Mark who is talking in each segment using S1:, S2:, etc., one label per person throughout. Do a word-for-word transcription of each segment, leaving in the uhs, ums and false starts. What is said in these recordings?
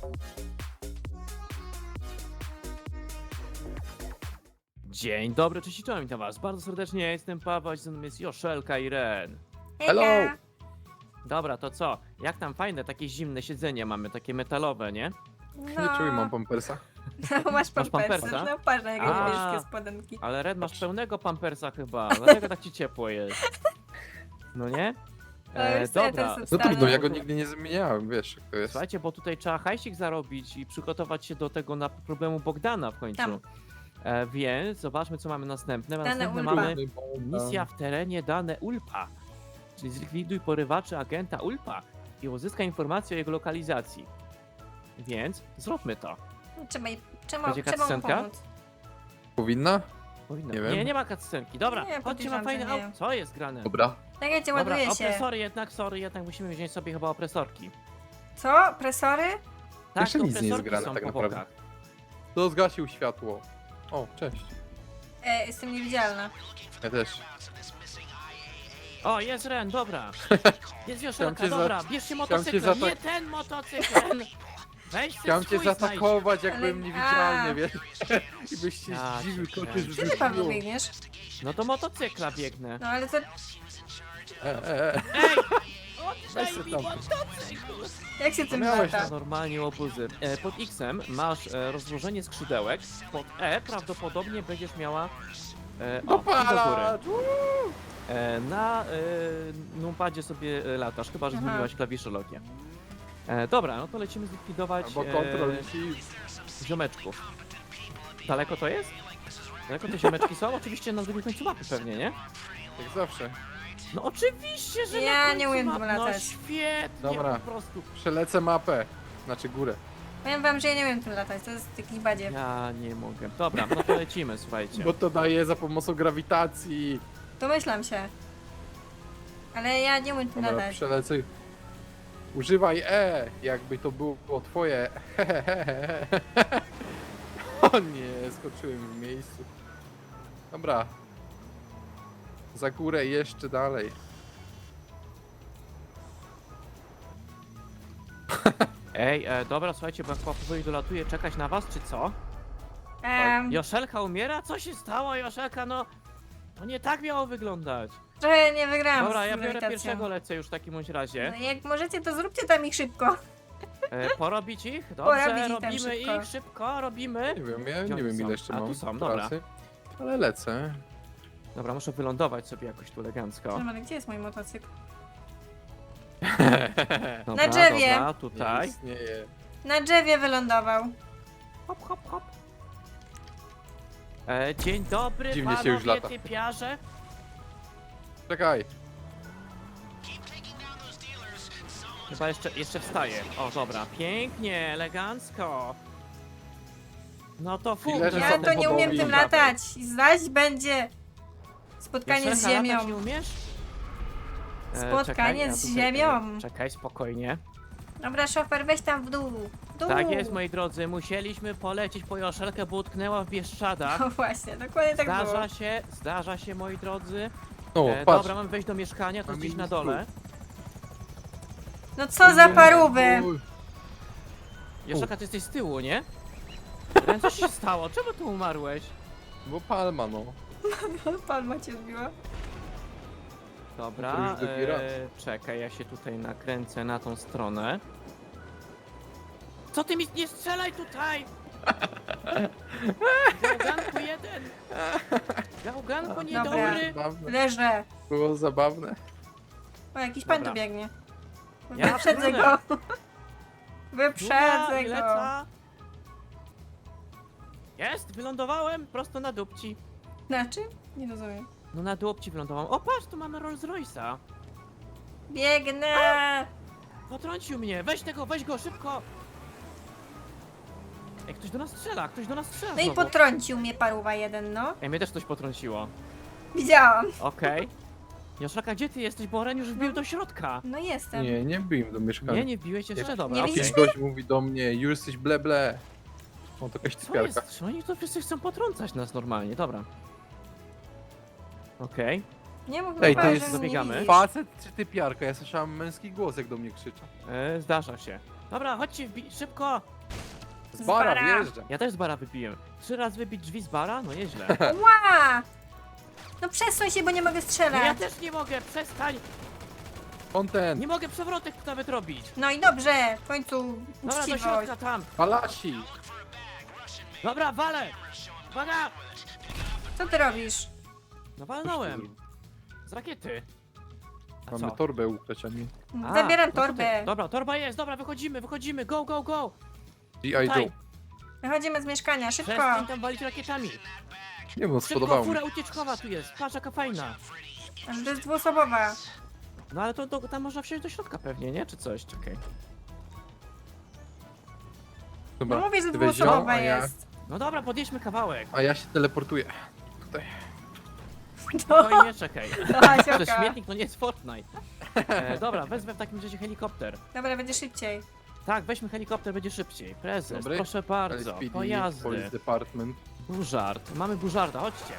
S1: Dzień dobry, cześć i czołem, witam was bardzo serdecznie, ja jestem Paweł, a ze mną jest Joszelka i Ren.
S2: Hello!
S1: Dobra, to co? Jak tam fajne, takie zimne siedzenie mamy, takie metalowe, nie?
S2: No.
S3: Nie czuję, mam pampersa.
S2: No, masz pampersa.
S1: pampersa?
S2: No patrz na jakie
S1: A.
S2: niebieskie spodenki.
S1: Ale Ren, masz pełnego pampersa chyba, dlatego tak ci ciepło jest. No nie?
S2: No już sobie
S1: dobra,
S2: to
S3: No
S2: Stary.
S3: trudno, ja go nigdy nie zmieniałem, wiesz jak to jest.
S1: słuchajcie, bo tutaj trzeba hajsik zarobić i przygotować się do tego na problemu Bogdana w końcu.
S2: Tam.
S1: E, więc zobaczmy, co mamy następne.
S2: Dane
S1: Następne
S2: Ulpa.
S1: mamy misja w terenie dane Ulpa. Czyli zlikwiduj porywaczy agenta Ulpa i uzyskaj informacje o jego lokalizacji. Więc zróbmy to.
S2: No, trzeba, jej- trzeba,
S1: Będzie
S2: trzeba mu
S1: cutscenka?
S2: pomóc.
S3: Powinna?
S1: Powinno.
S3: Nie
S1: Nie,
S3: wiem.
S1: nie, nie ma cutscenki. Dobra,
S2: Nie,
S1: chodźcie,
S2: podejrzewam,
S1: mam fajne
S2: że nie.
S1: auto. Co jest grane?
S3: Dobra.
S2: Czekajcie,
S1: Dobra,
S2: ładuje się.
S1: opresory jednak, sorry, jednak musimy wziąć sobie chyba opresorki.
S2: Co? Presory?
S1: Tak,
S3: Jeszcze
S1: to
S3: nic nie jest
S1: opresorki
S3: grane
S1: są
S3: tak
S1: po
S3: naprawdę.
S1: bokach.
S3: To zgasił światło. O, cześć.
S2: E, jestem niewidzialna.
S3: Ja też.
S1: O, jest Ren, dobra. Jest Joszelka,
S3: cię za-
S1: dobra, bierz się
S3: cię
S1: motocykl,
S3: zaata-
S1: nie ten motocykl, Ren. Weź ten
S3: Chciałem cię
S1: swój znajdź.
S3: zaatakować, jak
S2: Ale-
S3: byłem niewidzialny,
S2: a.
S3: wiesz? I byś się
S1: Ja
S3: zdziwił,
S1: cię
S3: to cię
S1: kręcę.
S2: Gdzie ty, Paweł,
S3: zrzuciło.
S2: biegniesz?
S1: No to motocykla biegnę.
S2: No ale to...
S3: E, e, e.
S1: Ej!
S3: Weź
S1: Oddaj
S3: se
S1: mi
S3: tam.
S2: Jak się tym
S3: miałeś
S2: lata?
S3: tam.
S1: Normalnie łobuzy. E, pod X-em masz e, rozłożenie skrzydełek, pod E prawdopodobnie będziesz miała e, o, do góry.
S3: Dopala!
S1: E, na e, numpadzie sobie e, latasz, chyba że
S2: Aha.
S1: zmieniłaś klawiszologię. E, dobra, no to lecimy zlikwidować
S3: Albo kontrol
S1: e,
S3: i...
S1: ziomeczków. Daleko to jest? Daleko te ziomeczki są? Oczywiście na drugim końcu mapy pewnie, nie?
S3: Jak zawsze.
S1: No oczywiście, że
S2: Ja
S1: na końcu
S2: nie umiem
S1: mapy.
S2: tym
S1: No
S2: latać.
S1: świetnie,
S3: Dobra.
S1: po prostu.
S3: Przelecę mapę. Znaczy górę.
S2: Powiem wam, że ja nie umiem tym latać, to jest taki badziew.
S1: Ja nie mogę. Dobra, no to lecimy, słuchajcie.
S3: Bo to daje za pomocą grawitacji.
S2: Domyślam się. Ale ja nie umiem tym
S3: Dobra,
S2: latać.
S3: przelecę. Używaj E, jakby to było twoje. O nie, skoczyłem w miejscu. Dobra. Za górę jeszcze dalej.
S1: Ej, e, dobra, słuchajcie, bo jak powoli dolatuje, czekać na was, czy co?
S2: Em,
S1: Joszelka umiera? Co się stało, Joszelka? No, to nie tak miało wyglądać.
S2: trochę nie wygrałam
S1: Dobra,
S2: z
S1: ja biorę
S2: grawitacją.
S1: pierwszego, lecę już w takim bądź razie.
S2: No, jak możecie, to zróbcie tam ich szybko.
S1: E, porobić ich?
S2: Porobić
S1: Dobrze,
S2: ich tam
S1: robimy
S2: szybko.
S1: ich, szybko, robimy.
S3: Nie wiem, ja
S1: Gdzie
S3: nie
S1: oni
S3: wiem
S1: są?
S3: ile jeszcze
S1: A, tu
S3: mam
S1: są, dobra.
S3: pracy. Ale lecę.
S1: Dobra, muszę wylądować sobie jakoś tu elegancko.
S2: Dobra, gdzie jest mój motocykl?
S1: Dobra,
S2: drzewie.
S1: Dobra,
S3: Nie
S1: tutaj.
S3: istnieje.
S2: Na drzewie wylądował.
S1: Hop, hop, hop. E, dzień dobry,
S3: Dziwnie się
S1: panowie
S3: już lata.
S1: typiarze.
S3: Czekaj.
S1: Chyba jeszcze, jeszcze wstaje. O, dobra, pięknie, elegancko. No to fu.
S3: Dealerzy
S2: Ja
S3: są
S2: to nie umiem
S3: powołani.
S2: tym latać. Zaś będzie spotkanie z
S1: Joszelka,
S2: ziemią.
S1: latać nie umiesz? E,
S2: Spotkanie
S1: czekaj, ja
S2: z
S1: tutaj-
S2: ziemią.
S1: Czekaj, spokojnie.
S2: Dobra, szofer, weź tam w dół. W dół.
S1: Tak jest, moi drodzy, musieliśmy polecieć po Joszelkę, bo utknęła w Bieszczadach.
S2: No właśnie, dokładnie tak było.
S1: Zdarza się, zdarza się, moi drodzy.
S3: O,
S1: E,
S3: patrz.
S1: dobra, mam wejść do mieszkania, to
S3: Mam
S1: gdzieś na
S3: minus
S1: dole.
S2: No co za parówy.
S3: Uj.
S1: Joszelka, ty jesteś z tyłu, nie? Ren, co się stało? Czemu tu umarłeś?
S3: Bo palma, no.
S2: Palma cię zbiła.
S1: Dobra,
S3: To już drugi raz.
S1: e, czekaj, ja się tutaj nakręcę na tą stronę. Co ty mi nie strzelaj tutaj! Gałganku jeden! Gałganku
S2: Dobra.
S1: niedobry!
S3: Zabawne.
S2: Leżę.
S3: Było zabawne.
S2: O, jakiś pan
S1: Dobra.
S2: tu biegnie.
S1: Ja
S2: Wyprzedzę
S1: próbuję.
S2: go. Wyprzedzę
S1: i
S2: go.
S1: leca. Jest, wylądowałem prosto na dupci.
S2: Na czym? Nie rozumiem.
S1: No na dupci wylądowałem. O patrz, tu mamy Rolls Royce'a.
S2: Biegnę.
S1: Potrącił mnie, weź tego, weź go, szybko! Ej, ktoś do nas strzela, ktoś do nas strzela
S2: No i
S1: znowu.
S2: potrącił mnie paruwa jeden, no.
S1: Ej, mnie też coś potrąciło.
S2: Widziałam.
S1: Okej. Joszelka, gdzie ty jesteś? Bo Ren już wbił do środka.
S2: No jestem.
S3: Nie, nie wbiłem do mieszkania.
S1: Nie, nie wbiłeś jeszcze, dobra,
S2: nie
S1: okej.
S2: widzisz
S3: Jakiś gość mówi do mnie, już jesteś ble ble. O, to jakaś
S1: Co
S3: typiarka.
S1: jest? Czy oni to wszyscy chcą potrącać nas normalnie, dobra. Okej.
S2: Nie mów
S3: Ej,
S2: mi,
S3: to
S2: że
S3: jest-
S2: mnie nie
S1: dobiegamy.
S2: widzisz.
S3: Facet czy typiarka? Ja słyszałem męski głos, jak do mnie krzyczał.
S1: E, Zdarza się. Dobra, chodźcie, wbi- szybko!
S3: Z bara
S2: bara.
S3: wjeżdżam.
S1: Ja też z bara wypiłem. Trzy razy wybić drzwi z bara? No nieźle.
S2: Ła! No przesuń się, bo nie mogę
S1: No ja
S2: strzelać.
S1: też nie mogę, przestań!
S3: Content.
S1: Nie mogę przewrotek nawet robić.
S2: No i dobrze, w końcu
S1: Dobra, do
S2: uczciwość.
S1: środka tam.
S3: Palasi.
S1: Dobra, walę! Uwaga!
S2: Co ty robisz?
S1: No walnąłem. Z rakiety. A
S3: Mamy
S1: co?
S3: torbę ukraść, a nie
S1: A,
S2: Zabieram
S1: no to ty-
S2: torbę.
S1: Dobra, torba jest, dobra, wychodzimy, wychodzimy, go, go, go!
S3: G I
S1: Tutaj.
S3: Joe.
S2: Wychodzimy z mieszkania, szybko.
S1: Przestań tam walić rakietami.
S3: Nie wiem,
S1: Szybko,
S3: spodobało mi
S1: fura
S3: się.
S1: ucieczkowa tu jest, patrz jaka fajna.
S2: To jest dwuosobowa.
S1: No ale to, to tam można wsiąść do środka pewnie, nie? Czy coś? Czekaj.
S2: No
S3: Dobra,
S2: mówię, że
S3: ty weź ją,
S2: dwuosobowa
S3: a ja,
S2: jest.
S1: No dobra, podjedźmy kawałek.
S3: a ja się teleportuję. Tutaj.
S2: No,
S1: Spokojnie, czekaj.
S2: no
S1: To
S2: Asioka.
S1: śmietnik to nie jest Fortnite. E, dobra, wezmę w takim razie helikopter.
S2: Dobra, będzie szybciej.
S1: Tak, weźmy helikopter, będzie szybciej. Prezes,
S3: Dobry.
S1: proszę bardzo.
S3: L S P D,
S1: Pojazdy.
S3: Police Department.
S1: Burzard. Mamy burzarda, chodźcie.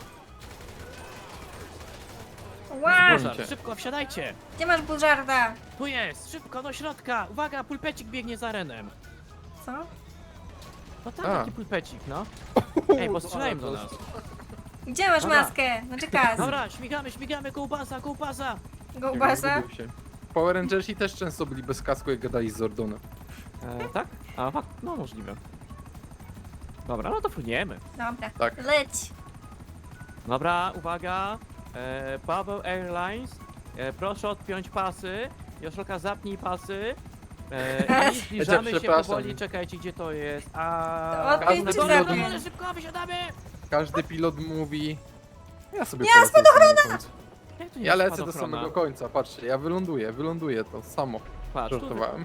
S2: Ła!
S1: Burzard, szybko, wsiadajcie.
S2: Gdzie masz bużarda?
S1: Tu jest, szybko do środka. Uwaga, pulpecik biegnie za Renem.
S2: Co?
S1: No tam
S3: A.
S1: taki pulpecik, no. Ej, postrzelają do nas.
S2: Gdzie masz
S1: Dobra.
S2: maskę? Znaczy kas.
S1: Dobra, śmigamy, śmigamy, kołbasa, kołbasa.
S2: Go ubasa?
S3: Zgubił się. Power Rangersi też często byli bez kasku, jak gadali z Zordonem.
S1: E, tak? A, fakt, no możliwe. Dobra, no to płyniemy.
S2: Dobra.
S3: Tak.
S2: Leć.
S1: Dobra, uwaga. E, Paweł Airlines, e, proszę odpiąć pasy. Joszelka, zapnij pasy. E, I zbliżamy się
S3: przepraszam.
S1: powoli, czekajcie gdzie to jest. A...
S2: Odpiąć
S1: na
S3: czy
S1: dole, na
S3: zapiąć?
S1: dole, szybko, wysiadamy!
S3: Każdy pilot mówi... Ja sobie
S2: Ja,
S3: polecę na samym końcu.
S1: Jak to nie
S3: Ja
S1: jest
S3: lecę do
S1: spadochrona?
S3: samego końca, patrzcie, ja wyląduję, wyląduję to samo.
S1: Patrz, tu
S3: Żartowałem.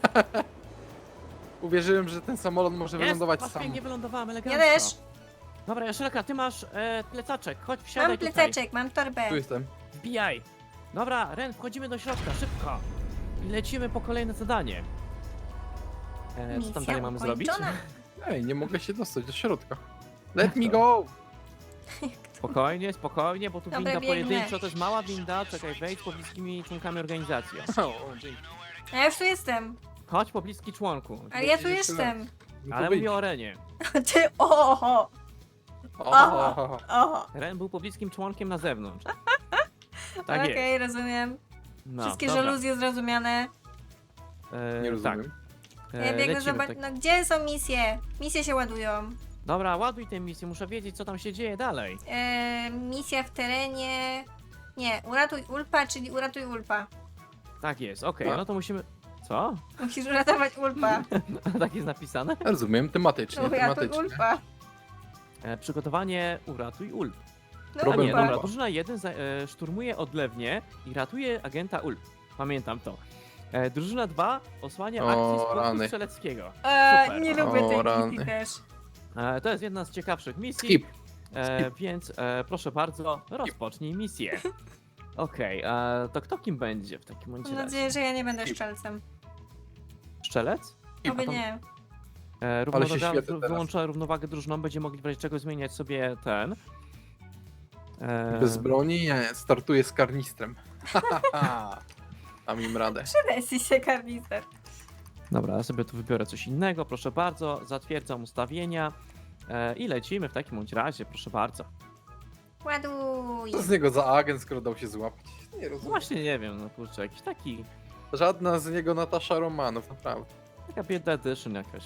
S3: Uwierzyłem, że ten samolot może
S1: jest,
S3: wylądować
S1: patrz,
S3: sam.
S1: pięknie wylądowałem,
S2: Ja
S1: elegancko.
S2: też.
S1: Dobra, Joszelka, ty masz e, plecaczek, chodź wsiadaj
S2: Mam
S1: tutaj.
S2: plececzek, mam torbę.
S3: Tu jestem.
S1: Wbijaj. Dobra, Ren, wchodzimy do środka, szybko. I lecimy po kolejne zadanie. E, co tam
S2: Misja
S1: dalej mamy zrobić?
S2: ukończona.
S3: Ej, nie mogę się dostać do środka. Let me go!
S1: Spokojnie, spokojnie, bo tu
S2: Dobra,
S1: winda
S2: biegnę.
S1: pojedynczo, to jest mała winda, czekaj, wejdź z pobliskimi członkami organizacji. O.
S3: O, dzięki.
S2: A ja już tu jestem.
S1: Chodź pobliski członku.
S2: Ale ja tu
S3: Wrócisz jeszcze
S2: jestem.
S3: No to
S1: Ale
S3: wyjdź.
S1: mówię o Renie.
S2: Ty, oho,
S3: O,
S2: oho.
S1: Ren był pobliskim członkiem na zewnątrz. Tak
S2: Okej,
S1: jest.
S2: rozumiem.
S1: No,
S2: Wszystkie
S1: dobra.
S2: żaluzje zrozumiane.
S1: E,
S3: nie rozumiem.
S1: Tak.
S2: Ja
S1: E,
S2: biegnę
S1: lecimy
S2: zobaczyć.
S1: tak.
S2: No gdzie są misje? Misje się ładują.
S1: Dobra, ładuj tę misję, muszę wiedzieć co tam się dzieje dalej.
S2: E, misja w terenie. Nie, uratuj Ulpa, czyli uratuj Ulpa.
S1: Tak jest, okej,
S3: A.
S1: no to musimy... Co?
S2: Musisz uratować Ulpa.
S1: Tak jest napisane?
S3: Rozumiem, tematycznie,
S2: Uratuj
S3: tematycznie.
S2: Ulpa.
S1: E, przygotowanie uratuj Ulp.
S2: No
S1: A
S3: Problem
S1: nie,
S2: Ulpa.
S1: dobra, drużyna jeden za, e, szturmuje odlewnię i ratuje agenta Ulp. Pamiętam to. E, drużyna dwa osłania
S3: O,
S1: akcji z punktu
S3: rany.
S1: strzeleckiego.
S2: E,
S1: Super.
S2: nie lubię
S3: O,
S2: tej
S3: rany.
S2: misji też.
S1: E, to jest jedna z ciekawszych misji,
S3: Skip.
S1: e, więc e, proszę bardzo, rozpocznij misję. Okej, e, to kto kim będzie w takim bądź
S2: Mam
S1: razie?
S2: nadzieję, że ja nie będę szczelcem.
S1: Strzelec?
S2: Oby nie.
S1: E,
S3: Ale się
S1: równowaga-
S3: świecę teraz.
S1: wyłącza równowagę drużyną, będzie mogli w razie czego zmieniać sobie ten. E,
S3: Bez broni? Nie, startuję z karnistrem. Mam im radę.
S2: Przydaj się karnister.
S1: Dobra, ja sobie tu wybiorę coś innego, proszę bardzo, zatwierdzam ustawienia e, i lecimy w takim bądź razie, proszę bardzo.
S2: Ładuj.
S3: Co z niego za agent, skoro dał się złapać? Nie
S1: No
S3: rozumiem.
S1: właśnie nie wiem, no kurczę, jakiś taki,
S3: Żadna z niego Natasza Romanów, naprawdę.
S1: taka biedna edition jakaś.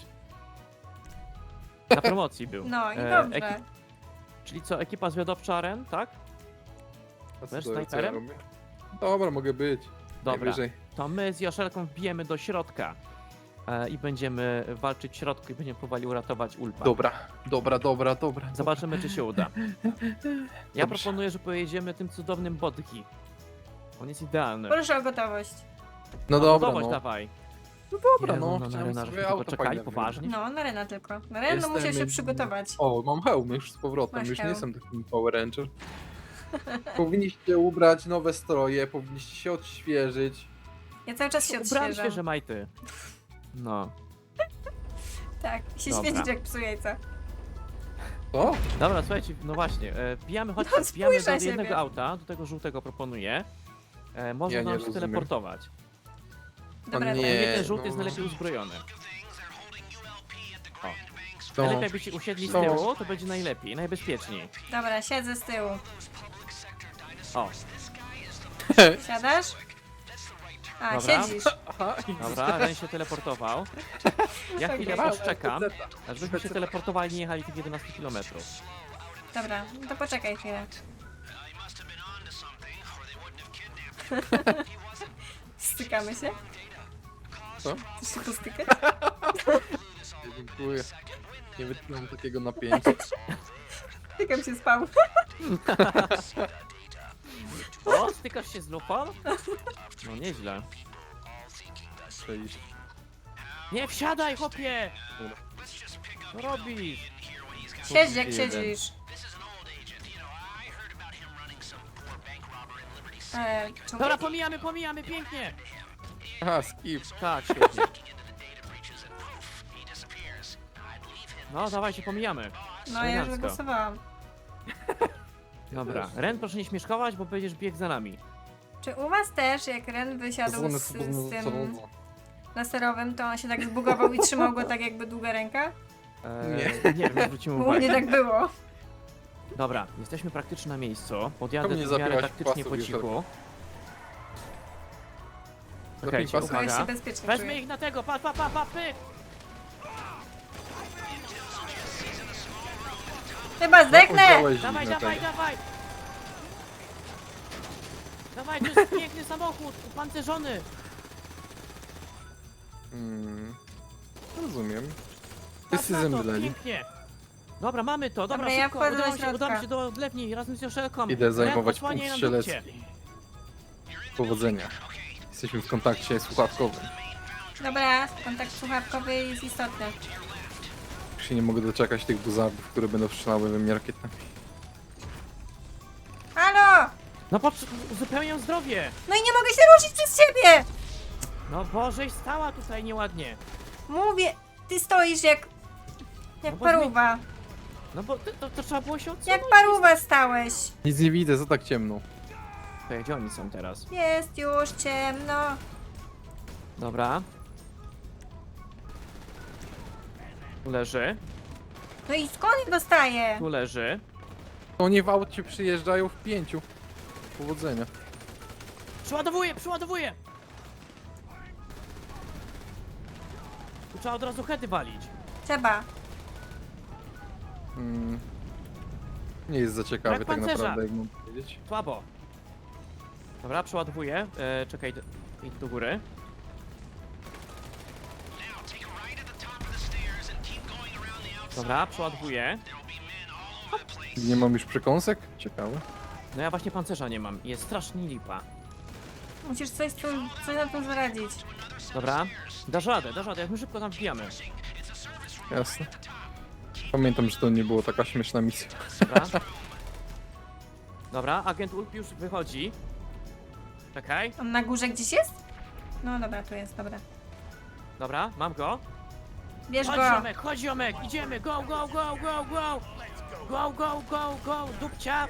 S1: Na promocji był.
S2: No i
S1: E,
S2: dobrze.
S1: ekip- Czyli co, ekipa zwiadowcza Ren, tak?
S3: A co,
S1: Wiesz,
S3: to, co ja
S1: snajperem?
S3: robię? Dobra, mogę być.
S1: Dobra,
S3: Najwyżej.
S1: to my z Joszelką wbijemy do środka e, i będziemy walczyć w środku i będziemy próbowali uratować Ulpa.
S3: Dobra, dobra, dobra, dobra.
S1: Zobaczymy, czy się uda. Ja
S3: Dobrze.
S1: proponuję, że pojedziemy tym cudownym Bodki. On jest idealny.
S2: Proszę o gotowość.
S3: No dobra,
S1: Gotowość
S3: no.
S1: dawaj.
S3: No dobra,
S1: Jezu,
S3: no.
S1: no,
S3: chciałem
S1: na
S3: sobie
S1: tylko
S3: auto
S1: czekali,
S3: fajne
S1: poważnie.
S2: No, na Rena tylko. Na Rena
S3: Jestem
S2: musiał się
S3: jednym-
S2: przygotować.
S3: O, mam hełm już z powrotem,
S2: Masz
S3: już nie
S2: hełm.
S3: jestem takim Power Ranger. Powinniście ubrać nowe stroje, powinniście się odświeżyć.
S2: Ja cały czas się
S1: Ubrałem
S2: odświeżam.
S1: świeże majty. No.
S2: Tak, się
S1: Dobra.
S2: świecić jak psu jajca.
S3: Co?
S1: Dobra, słuchajcie, no właśnie, e, wbijamy, chodźcie,
S2: No,
S1: wbijamy
S2: spójrz
S1: do
S2: na
S1: jednego
S2: siebie.
S1: auta, do tego żółtego proponuję. E, można
S3: Ja nie
S1: nam się
S3: rozumiem.
S1: teleportować.
S2: Dobra,
S3: nie.
S2: dobra.
S1: Nie, ten żółty
S3: no.
S1: jest najlepiej uzbrojony. O.
S3: To...
S1: Najlepiej jakbyście usiedli z
S3: No.
S1: tyłu, to będzie najlepiej, najbezpieczniej.
S2: Dobra, siedzę z tyłu.
S1: O,
S2: Siadasz? A,
S1: Dobra.
S2: siedzisz.
S3: Aha,
S1: dobra, Ren się teleportował. Ja chwilę
S3: Dobra,
S1: poczekam,
S3: peceta.
S1: aż byśmy się teleportowali i nie jechali tych jedenaście kilometrów.
S2: Dobra, no to poczekaj chwilę. Stykamy się?
S3: Co?
S2: Chcesz się postykać?
S3: Dziękuję. Nie wytrzymam takiego napięcia.
S2: Stykam się spał.
S1: O, stykasz się z lupą? No nieźle.
S3: Przejść.
S1: Nie wsiadaj, chłopie! Co robisz?
S2: Siedź jak
S3: Jeden.
S2: siedzisz. E, czemu?
S1: Dobra, pomijamy, pomijamy, pięknie!
S3: Aha, skip.
S1: Tak, świetnie. No, dawajcie, pomijamy.
S2: No ja już
S1: elegancko.
S2: zagłosowałam.
S1: Dobra, Ren, proszę nie śmieszkować, bo będziesz biegł za nami.
S2: Czy u was też, jak Ren wysiadł
S3: Pozwolę
S2: z, z
S3: sobie
S2: tym
S3: zarządzać.
S2: laserowym, to on się tak zbugował i trzymał go tak jakby długa ręka?
S1: Eee, nie wiem, zwrócimy
S2: U mnie
S1: uwagę.
S2: tak było.
S1: Dobra, jesteśmy praktycznie na miejscu. Podjadę
S3: Czemu nie
S1: tu w miarę
S3: zabieraś
S1: taktycznie
S3: pasów
S1: po
S3: już
S1: cichu.
S3: Zapnij
S1: Okej,
S3: pasy.
S2: Bo już się
S1: uwaga.
S2: bezpiecznie
S1: Weźmy
S2: czuję.
S1: ich na tego, pa, pa, pa, pa, pyk!
S2: Chyba zdechnę!
S3: Powiedziałeś
S1: Dawaj,
S3: dziwne
S1: dawaj,
S3: tego.
S1: dawaj! Dawaj, to jest piękny samochód, upancerzony!
S3: Hmm. Rozumiem.
S1: Patrz
S3: Wszyscy
S1: na to,
S3: zemdleli.
S1: pięknie! Dobra, mamy to, dobra,
S2: Dobra, ja
S1: szybko,
S2: wchodzę do
S1: udamy się,
S2: środka.
S1: udamy się do odlewni razem z Joszelką.
S3: Idę
S1: Ren,
S3: zajmować
S1: odsłaniaj
S3: punkt
S1: nam dupcie.
S3: strzelecki. Powodzenia. Jesteśmy w kontakcie słuchawkowym.
S2: Dobra, kontakt słuchawkowy jest istotny.
S3: Już się nie mogę doczekać tych buzardów, które będą strzelały we mnie rakietami.
S2: Halo!
S1: No patrz, uzupełniam zdrowie!
S2: No i nie mogę się ruszyć przez ciebie!
S1: No Bożeś stała tutaj nieładnie.
S2: Mówię, ty stoisz jak... Jak
S1: No bo
S2: paruwa.
S1: No bo to, to, to trzeba było się odsunąć.
S2: Jak paruwa stałeś.
S3: Nic nie widzę, co tak ciemno.
S1: Okej, gdzie oni są teraz?
S2: Jest już ciemno.
S1: Dobra. Tu leży,
S2: No i skąd ich dostaję?
S1: tu leży.
S3: Oni w aucie przyjeżdżają w pięciu. Powodzenia.
S1: Przeładowuję, przeładowuję! Tu trzeba od razu hedy walić.
S2: Trzeba.
S3: Hmm. Nie jest za ciekawy
S1: Brak
S3: tak
S1: pancerza.
S3: naprawdę, jak mam powiedzieć.
S1: Słabo. Dobra, przeładowuję. E, czekaj, d- idź do góry. Dobra, przeładowuję.
S3: Nie mam już przekąsek? Ciekawe.
S1: No ja właśnie pancerza nie mam. Jest strasznie lipa.
S2: Musisz coś, tu, coś na tym zaradzić.
S1: Dobra, dasz radę, dasz radę, jak my szybko tam wbijamy.
S3: Jasne. Pamiętam, że to nie była taka śmieszna misja.
S1: Dobra. Dobra, agent Ulp już wychodzi. Czekaj.
S2: On na górze gdzieś jest? No dobra, tu jest, dobra.
S1: Dobra, mam go.
S2: Bierz
S1: Chodź
S2: go.
S1: ziomek, chodź ziomek, idziemy, go, go, go, go, go! Go, go, go, go, dupcia!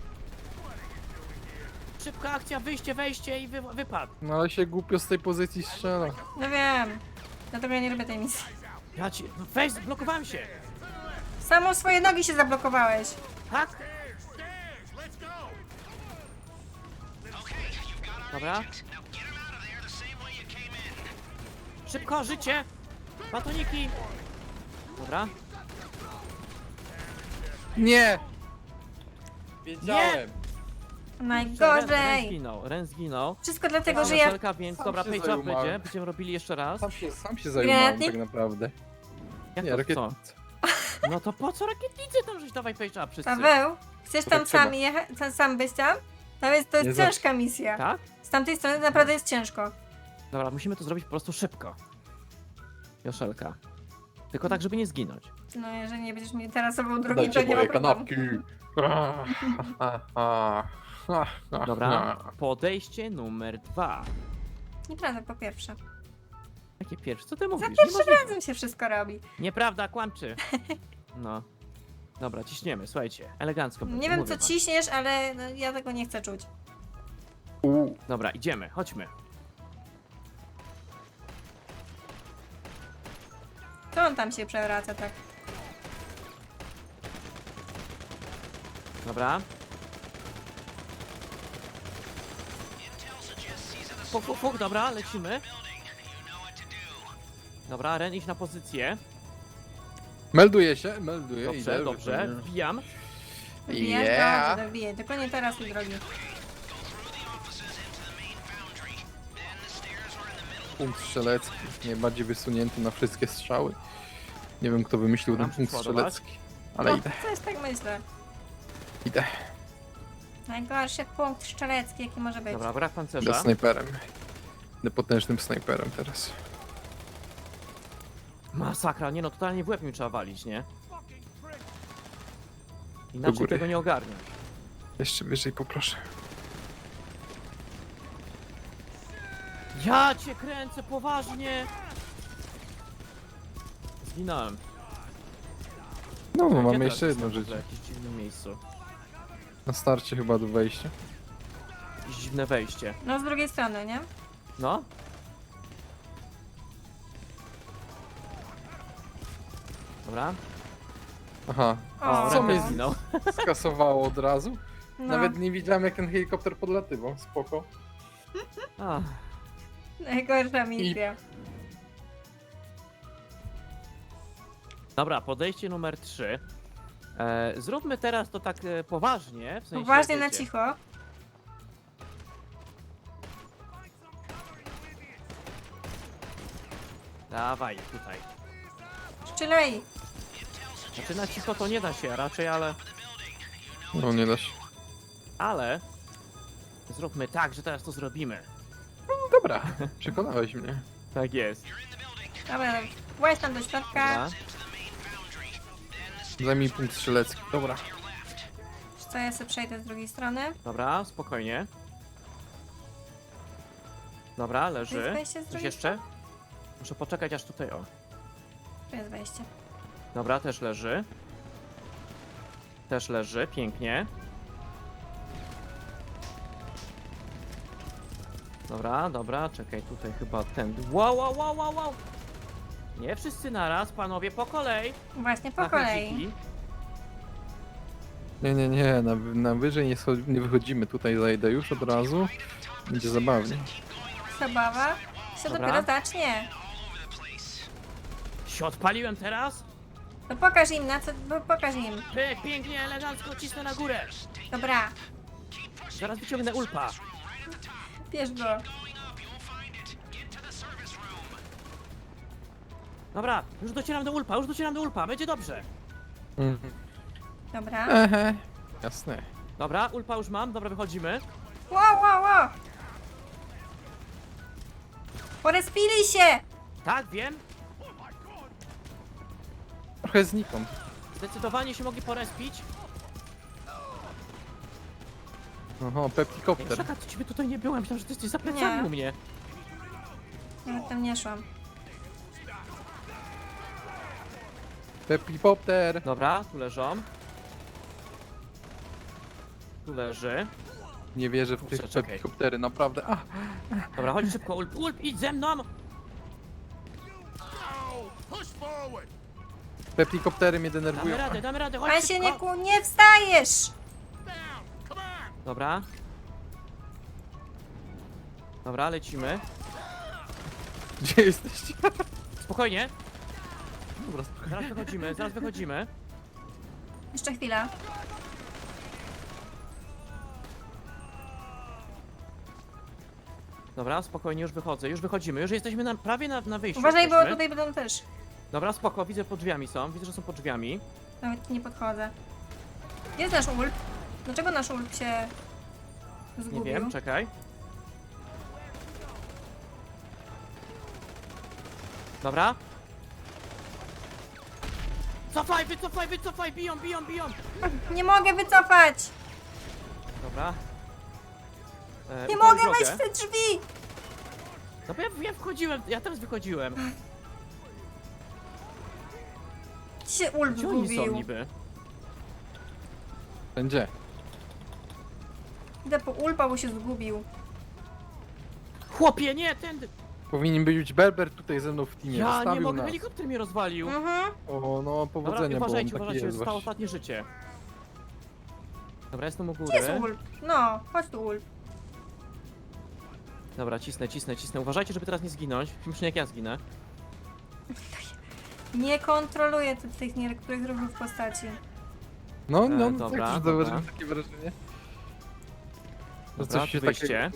S1: Szybka akcja, wyjście, wejście i wy, wypad.
S3: No ale się głupio z tej pozycji strzela.
S2: No wiem. Dlatego ja nie lubię tej misji.
S1: Ja ci, no weź, blokowałem się.
S2: Samo swoje nogi się zablokowałeś.
S1: Tak? Dobra. Szybko, życie! Batoniki! Dobra.
S3: Nie! Wiedziałem!
S1: Ren, Ren
S2: Najgorzej.
S1: zginął, Ren zginął.
S2: Wszystko dlatego,
S1: Teraz
S2: że ja...
S1: Joszelka, więc
S3: Sam
S1: dobra,
S3: się
S1: page up
S3: zajumałem.
S1: będzie. Będziemy robili jeszcze raz.
S3: Sam się, sam się zajmowałem
S2: Granatnik?
S3: tak naprawdę.
S1: Jak
S3: Nie,
S1: to co?
S3: rakietnicy.
S1: No to po co rakietnicy tam żeś dawaj page up wszyscy?
S2: Paweł, chcesz
S3: To
S2: tam
S3: tak trzeba.
S2: sam jechać, sam- sam być tam? Tam jest, to jest
S3: Nie
S2: ciężka misja.
S1: Tak?
S2: Z tamtej strony naprawdę jest ciężko.
S1: Dobra, musimy to zrobić po prostu szybko. Joszelka. Tylko tak, żeby nie zginąć.
S2: No jeżeli nie będziesz mi teraz sobą drogi,
S3: Dajcie
S2: to nie ma
S3: moje
S2: problemu.
S3: kanapki! Ah, ah, ah, ah, ah,
S1: Dobra,
S3: ah.
S1: podejście numer dwa.
S2: Nieprawda, po pierwsze.
S1: Jakie pierwsze? Co ty mówisz?
S2: Za pierwszym
S1: Niemożliwe.
S2: razem się wszystko robi.
S1: Nieprawda, kłamczy. No. Dobra, ciśniemy, słuchajcie. Elegancko. będzie,
S2: Nie wiem
S1: mówię
S2: co
S1: wam.
S2: ciśniesz, ale no, ja tego nie chcę czuć.
S3: U,
S1: Dobra, idziemy, chodźmy.
S2: on tam się przewraca tak?
S1: Dobra. Fuk, fuk, fuk, dobra, lecimy. Dobra, Ren, idź na pozycję.
S3: Melduje się, melduje.
S1: Dobrze,
S3: idę,
S1: dobrze,
S3: wypełniam.
S1: wbijam.
S2: Wbijasz?
S3: Yeah.
S2: Dobrze, wbiję. Tylko nie teraz, mój drogi.
S3: Punkt strzelecki, najbardziej wysunięty na wszystkie strzały. Nie wiem, kto wymyślił ten
S1: Mam
S3: punkt
S1: przyładować?
S3: strzelecki, ale
S2: No,
S3: idę,
S2: coś tak myślę.
S3: idę.
S2: Najgorszy punkt strzelecki, jaki może być.
S1: Dobra, brak
S3: Idę
S1: pancerza.
S3: snajperem. Idę potężnym snajperem teraz.
S1: Masakra, nie no, totalnie w łeb mi trzeba walić, nie? Inaczej
S3: góry.
S1: tego nie ogarnię.
S3: Jeszcze wyżej poproszę.
S1: Ja cię kręcę, poważnie! Zginąłem.
S3: No, no
S1: Gdzie
S3: mamy
S1: teraz
S3: jeszcze jedno
S1: jestem? W
S3: życie.
S1: jakimś dziwnym miejscu.
S3: Na starcie chyba do wejścia.
S1: Jakieś dziwne wejście.
S2: No z drugiej strony, nie?
S1: No? Dobra.
S3: Aha,
S2: O,
S3: co
S1: Ren
S3: mnie
S1: też zginął.
S3: skasowało od razu?
S2: No.
S3: Nawet nie widziałem, jak ten helikopter podlatywał. Spoko.
S1: A,
S2: Najgorsza misja.
S1: dobra, podejście numer trzy. E, zróbmy teraz to tak e, poważnie, w sensie,
S2: Uważnie na
S1: wiecie,
S2: cicho.
S1: Dawaj, tutaj.
S2: Strzelaj!
S1: Znaczy na cicho to nie da się raczej, ale...
S3: No nie da się.
S1: Ale... Zróbmy tak, że teraz to zrobimy.
S3: Dobra, przekonałeś mnie.
S1: Tak jest.
S2: Dobra, właź tam do środka.
S1: Dobra.
S3: Zajmij punkt strzelecki. Dobra.
S2: Co, ja sobie przejdę z drugiej strony.
S1: Dobra, spokojnie. Dobra,
S2: Tu jest
S1: leży.
S2: wejście z
S1: Coś
S2: drugiej
S1: jeszcze? Muszę poczekać aż tutaj, o.
S2: Tu jest wejście.
S1: Dobra, też leży. Też leży, pięknie. Dobra, dobra, czekaj, tutaj chyba ten... Wow, wow, wow, wow, wow! Nie wszyscy naraz, panowie, po kolei.
S2: Właśnie po
S1: Na
S2: kolei.
S1: chęciki.
S3: Nie, nie, nie, na, na wyżej nie, scho- nie wychodzimy. Tutaj zajdę już od razu. Będzie zabawnie.
S2: Zabawa się
S1: Dobra.
S2: dopiero zacznie.
S1: Się odpaliłem teraz?
S2: To pokaż im na co, bo pokaż im.
S1: Pyk, pięknie, elegancko, cisnę na górę.
S2: Dobra,
S1: Zaraz wyciągnę ulpa.
S2: bierz go.
S1: Dobra, już docieram do ulpa, już docieram do ulpa, będzie dobrze.
S3: Mhm.
S2: Dobra.
S3: Ehe. Jasne.
S1: Dobra, ulpa już mam, dobra, wychodzimy.
S2: Wow, wow, wow! Porespili się!
S1: Tak, wiem.
S3: Trochę znikąd.
S1: Zdecydowanie się mogli porespić.
S3: Oho, peptikopter.
S1: Czekaj, to ciebie tutaj nie byłem, myślałem, że ty jesteś za plecami
S2: Nie.
S1: u mnie.
S2: Nawet tam nie szłam.
S3: Pepikopter.
S1: Dobra, tu leżą. Tu leży.
S3: Nie wierzę w
S1: Kurczę,
S3: tych
S1: czekaj.
S3: pepikoptery, naprawdę. A,
S1: Dobra, chodź szybko, ulp, ulp, idź ze mną!
S3: pepikoptery mnie
S1: Damy
S3: denerwują.
S1: radę, damy radę, chodź
S2: Pan się
S1: szybko.
S2: nie, ku, nie wstajesz!
S1: Dobra. Dobra, lecimy.
S3: Gdzie jesteście?
S1: Spokojnie,
S3: Dobra, spokojnie.
S1: zaraz wychodzimy, zaraz wychodzimy.
S2: Jeszcze chwila.
S1: Dobra, spokojnie, już wychodzę, już wychodzimy, już jesteśmy na, prawie na, na wyjściu.
S2: Uważaj, bo
S1: jesteśmy.
S2: tutaj będą też.
S1: Dobra, spoko, widzę pod drzwiami są, widzę, że są pod drzwiami.
S2: Nawet nie podchodzę. Gdzie jest nasz ulp? Dlaczego nasz ulp się
S1: Nie
S2: zgubił?
S1: wiem, czekaj. Dobra. Cofaj, wycofaj, wycofaj, biją, biją, biją.
S2: Nie mogę wycofać!
S1: Dobra. E,
S2: Nie
S1: upal
S2: mogę
S1: drogę.
S2: wejść w te drzwi!
S1: No bo ja, ja wchodziłem, ja teraz wychodziłem.
S2: Gdzie się ulp
S1: Gdzie oni są
S2: zgubił?
S1: niby?
S3: Będzie.
S2: Idę po ulpa, bo się zgubił.
S1: Chłopie, nie, tędy.
S3: Powinien być Berber tutaj ze mną w teamie.
S1: Ja nie
S3: Zostawił
S1: mogę,
S3: nas.
S1: helikopter mnie rozwalił.
S2: Mhm.
S3: O, no
S1: Dobra,
S3: powodzenia, bo on
S1: uważajcie,
S3: taki
S1: uważajcie,
S3: jest
S1: zostało
S3: właśnie.
S1: ostatnie życie. Dobra, jestem u
S2: Gdzie jest
S1: góry.
S2: Ulf? No, chodź tu Ulf.
S1: Dobra, cisnę, cisnę, cisnę. Uważajcie, żeby teraz nie zginąć. Myślę, jak ja zginę.
S2: Nie kontroluję tu tych niektórych ruchów postaci.
S3: No, no,
S1: E,
S3: no
S1: dobra,
S3: tak, też
S1: dobra.
S3: zauważyłem takie wrażenie. Że
S1: Dobra,
S3: coś się
S1: tu wyjście.
S3: takiego...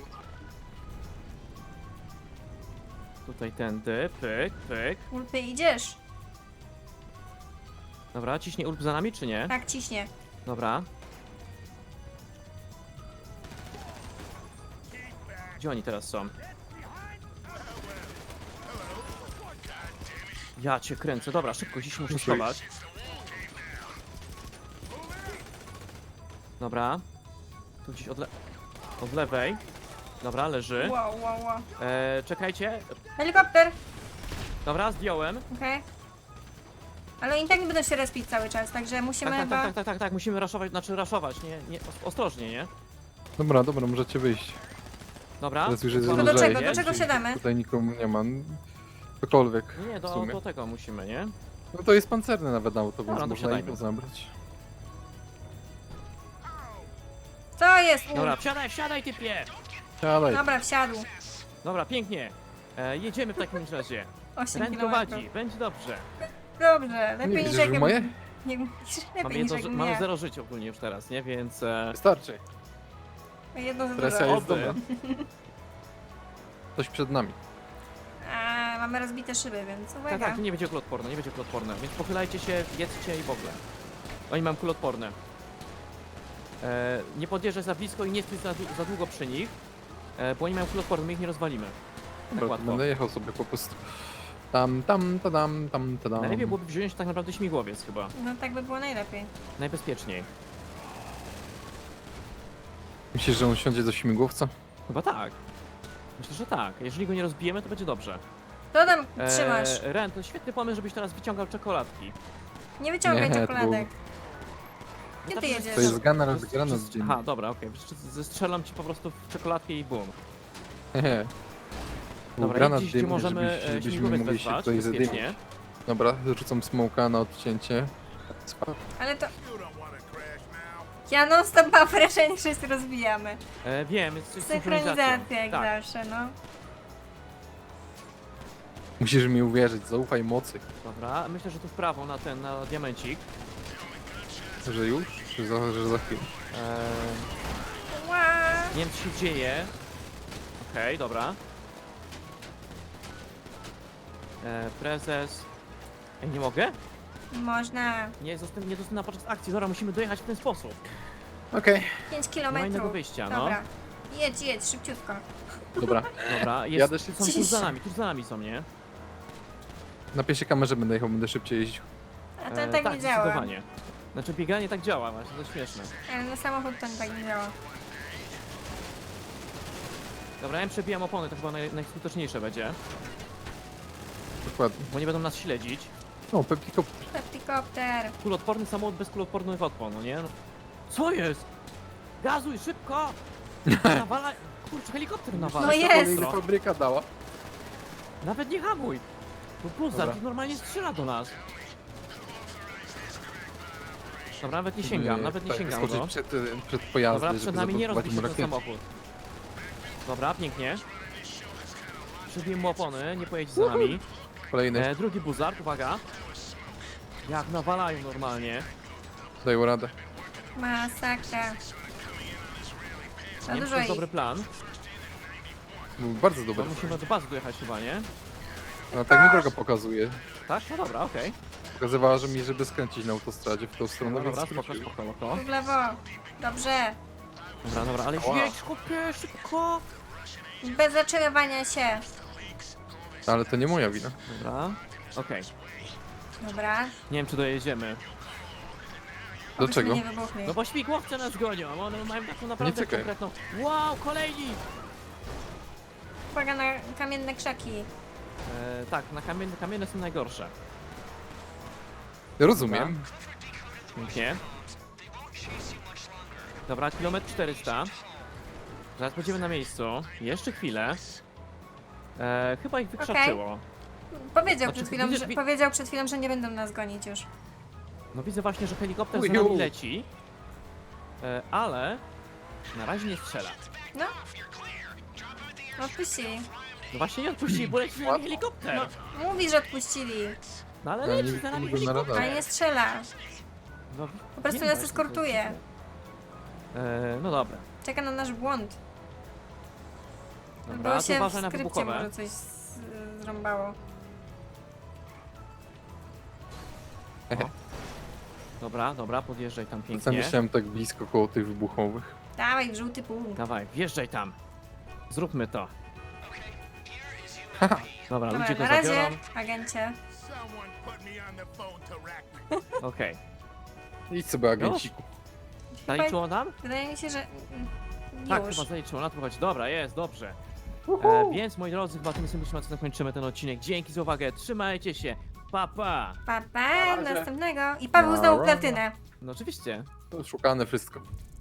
S1: Tutaj tędy, pyk, pyk.
S2: Ulfie, idziesz?
S1: Dobra, ciśnie Ulp za nami, czy nie?
S2: Tak, ciśnie.
S1: Dobra. Gdzie oni teraz są? Ja cię kręcę. Dobra, szybko, dziś muszę
S3: Muszę
S1: schować. Dobra. Tu gdzieś od, le od lewej. Dobra, leży.
S2: Wow, wow, wow.
S1: E, czekajcie.
S2: Helikopter!
S1: Dobra, zdjąłem.
S2: Okej. Ale oni tak nie będą się respić cały czas, także musimy
S1: Tak, tak,
S2: chyba...
S1: tak, tak, tak, tak, tak. Musimy raszować, znaczy raszować, nie, nie, os- ostrożnie, nie?
S3: Dobra, dobra, możecie wyjść.
S1: Dobra.
S3: Teraz już jest
S1: Mamy
S2: Do
S3: lżej.
S2: czego, do
S1: jest?
S2: czego siadamy?
S3: Tutaj nikomu nie ma. Cokolwiek.
S1: Nie, nie,
S3: w
S1: do,
S3: sumie.
S1: do tego musimy, nie?
S3: No to jest pancerne nawet auto, więc
S1: Dobra, to
S3: można
S1: wsiadajmy.
S3: i to zabrać.
S2: Co jest Ulf?
S1: Dobra, wsiadaj, wsiadaj, typie!
S3: Siadaj.
S2: Dobra, wsiadł.
S1: Dobra, pięknie. E, jedziemy w takim razie.
S2: osiem
S1: Ren
S2: kilometrów.
S1: prowadzi, będzie dobrze.
S2: Dobrze, lepiej
S3: Nie
S2: niż
S3: widzisz,
S2: jak...
S3: że moje?
S2: Nie,
S1: Mamy,
S2: lepiej niż
S1: jedno,
S2: jak
S1: ży- mamy
S2: mnie.
S1: zero życia ogólnie już teraz, nie? Więc... E,
S3: Wystarczy.
S2: Jedno za
S3: Presja
S2: dużo.
S3: jest
S1: Oby.
S3: dobra. Coś przed nami.
S2: A, mamy rozbite szyby, więc
S1: tak,
S2: uwaga.
S1: tak, tu nie będzie kulotporne, nie będzie kulotporne. Więc pochylajcie się, jedzcie i w ogóle. Oni mają kulotporne. E, nie podjeżdżaj za blisko i nie stój za, dłu- za długo przy nich. E, bo oni mają kulotporne, my ich nie rozwalimy. Tak
S3: Dobra,
S1: łatwo.
S3: będę jechał sobie po prostu. Tam, tam, tadam, tam, tadam.
S1: Najlepiej byłoby wziąć tak naprawdę śmigłowiec chyba.
S2: No tak by było najlepiej.
S1: Najbezpieczniej.
S3: Myślisz, że on siądzie do śmigłowca?
S1: Chyba tak. Myślę, że tak. Jeżeli go nie rozbijemy, to będzie dobrze.
S2: Co tam trzymasz?
S1: E, Ren, to świetny pomysł, żebyś teraz wyciągał czekoladki.
S2: Nie wyciągaj
S3: Nie, to
S2: czekoladek. Gdzie
S1: Wystarczy,
S2: ty
S1: że-
S2: jedziesz?
S3: To jest gana
S1: że-
S3: rozgrana
S1: że-
S3: z dzień.
S1: Aha, dobra, okej. Okay. Zestrzelam ci po prostu w czekoladkę i bum.
S3: Hehe. Był
S1: Dobra,
S3: granat
S1: i gdzieś, gdzie
S3: dymny,
S1: możemy
S3: żebyś-
S1: e,
S3: żebyśmy
S1: śmigłowiec
S3: mogli się
S1: wezwać
S3: tutaj zadymić.
S1: bezpiecznie.
S3: Dobra, rzucam smoka na odcięcie. Spa-
S2: Ale to... Ja non stop mam wrażenie, że się rozbijamy.
S1: E, wiem, jest jest
S2: Synchronizacja jak
S1: Tak,
S2: zawsze, no.
S3: Musisz mi uwierzyć, zaufaj mocy.
S1: dobra. Myślę, że tu w prawo na ten, na diamencik.
S3: Że już? Czy za, że za chwilę?
S1: E,
S2: Ła!
S1: nie wiem, co się dzieje. Okej, dobra. E, prezes. Ej, nie mogę?
S2: Można.
S1: Nie, zostałem, nie dostępna podczas akcji. Dobra, musimy dojechać w ten sposób.
S3: Okej.
S2: pięć
S1: Nie ma innego
S2: kilometrów.
S1: wyjścia, no.
S2: Dobra. Jedź, jedź, szybciutko.
S3: Dobra.
S1: Dobra, jest,
S3: Jadę
S1: są
S3: szybciej.
S1: tuż za nami, tuż za nami są, nie?
S3: Na pierwszej kamerze będę jechał, będę szybciej jeździł.
S2: A to
S1: E,
S2: tak nie działa.
S1: zdecydowanie. Znaczy bieganie tak działa, właśnie, to śmieszne.
S2: Ale na samochód to tak nie działa.
S1: Dobra, ja im przebijam opony, to chyba naj, najskuteczniejsze będzie,
S3: Dokładnie.
S1: bo nie będą nas śledzić.
S3: O, Pepliko.
S2: Helikopter.
S1: Kulotporny samochód bez kulotpornych opon, no nie? No. Co jest? Gazuj, szybko! Nawala... Kurczę, helikopter nawala.
S2: No
S1: się
S2: jest.
S1: ostro.
S3: Fabryka dała.
S1: Nawet nie hamuj! To Blizzard
S3: Dobra.
S1: normalnie strzela do nas. Dobra, nawet nie sięgam, nawet nie
S3: tak,
S1: sięgam
S3: skoczyć
S1: go.
S3: przed, e, przed pojazdem,
S1: Dobra,
S3: żeby
S1: przed nami nie
S3: zablokować
S1: rozbił
S3: mu
S1: się ten
S3: rakiety.
S1: samochód. Dobra, pięknie. Przybiłem mu opony, nie pojedź za nami.
S3: Kolejny,
S1: E, drugi buzard, uwaga. Jak nawalają normalnie.
S3: dają radę.
S2: Masakra. Za
S1: Nie wiem, czy
S2: dużo
S1: to jest
S2: ich.
S1: dobry plan.
S3: Był bardzo
S1: Bo
S3: dobry.
S1: musimy do bazy dojechać chyba, nie?
S3: No tak mi droga pokazuje.
S1: Tak? No dobra, okej.
S3: Pokazywała, że mi, żeby skręcić na autostradzie w tą stronę,
S1: Dobra,
S3: więc
S1: dobra, spoko,
S3: skróciłem.
S1: spoko, spoko.
S2: W lewo. Dobrze.
S1: Dobra, dobra, ale
S3: Ała.
S1: jedź, chłopie, szybko!
S2: Bez zatrzymywania się.
S3: Ale to nie moja wina.
S1: Dobra, okej.
S2: Dobra.
S1: Nie wiem, czy dojedziemy.
S3: Do
S2: Obyśmy
S3: czego?
S2: nie wybuchli.
S1: No bo śmigłowce nas gonią, one mają taką naprawdę
S3: czekaj.
S1: konkretną... Wow, kolejni!
S2: Uwaga na kamienne krzaki.
S1: E, tak, na kamienne, kamienne są najgorsze.
S3: Rozumiem.
S1: Pięknie. Dobra, kilometr czterysta. Zaraz będziemy na miejscu. Jeszcze chwilę. E, chyba ich wykrzaczyło.
S2: Powiedział,
S1: Znaczy,
S2: przed chwilą,
S1: widzisz,
S2: że,
S1: wi-
S2: powiedział przed chwilą, że nie będą nas gonić już.
S1: No widzę właśnie, że helikopter za
S3: Uju.
S1: nami leci. E, ale na razie nie strzela.
S2: No. No odpuścili.
S1: No właśnie nie odpuścili, bo leci za nami helikopter.
S2: No, mówi, że odpuścili,
S1: No ale
S3: Ja nie
S1: leci za nami
S3: widzę na
S1: helikopter.
S3: radarze.
S2: ale nie strzela.
S1: No,
S2: Po prostu
S1: wiem
S2: nas
S1: właśnie,
S2: eskortuje.
S1: to jest dziwne. E, no dobra.
S2: Czeka na nasz błąd.
S1: Dobra,
S2: Bo
S1: to
S2: się w
S1: uważaj na
S2: skrypcie
S1: wybuchowe.
S2: może coś z- zrąbało.
S1: Dobra, dobra, podjeżdżaj tam
S3: Co
S1: pięknie.
S3: myślałem tak blisko koło tych wybuchowych.
S2: Dawaj, w żółty punkt.
S1: Dawaj, wjeżdżaj tam. Zróbmy to. Dobra,
S2: Dobra,
S1: ludzie go
S2: na razie,
S1: zabiorą.
S2: agencie.
S4: Someone put me on the phone to rack me.
S1: Okej.
S3: Idź sobie agenciku.
S1: Zaliczyło nam?
S2: Wydaje mi się, że mm,
S1: Tak,
S2: już.
S1: chyba zaliczyło, na to chodzi. Dobra, jest, dobrze. E, więc moi drodzy, chyba tym samym zakończymy ten odcinek. Dzięki za uwagę, trzymajcie się. Pa, pa.
S2: Pa, pa,
S3: Na razie.
S2: następnego. I Paweł znowu
S3: Na razie.
S2: platynę.
S1: No oczywiście.
S3: To szukane wszystko.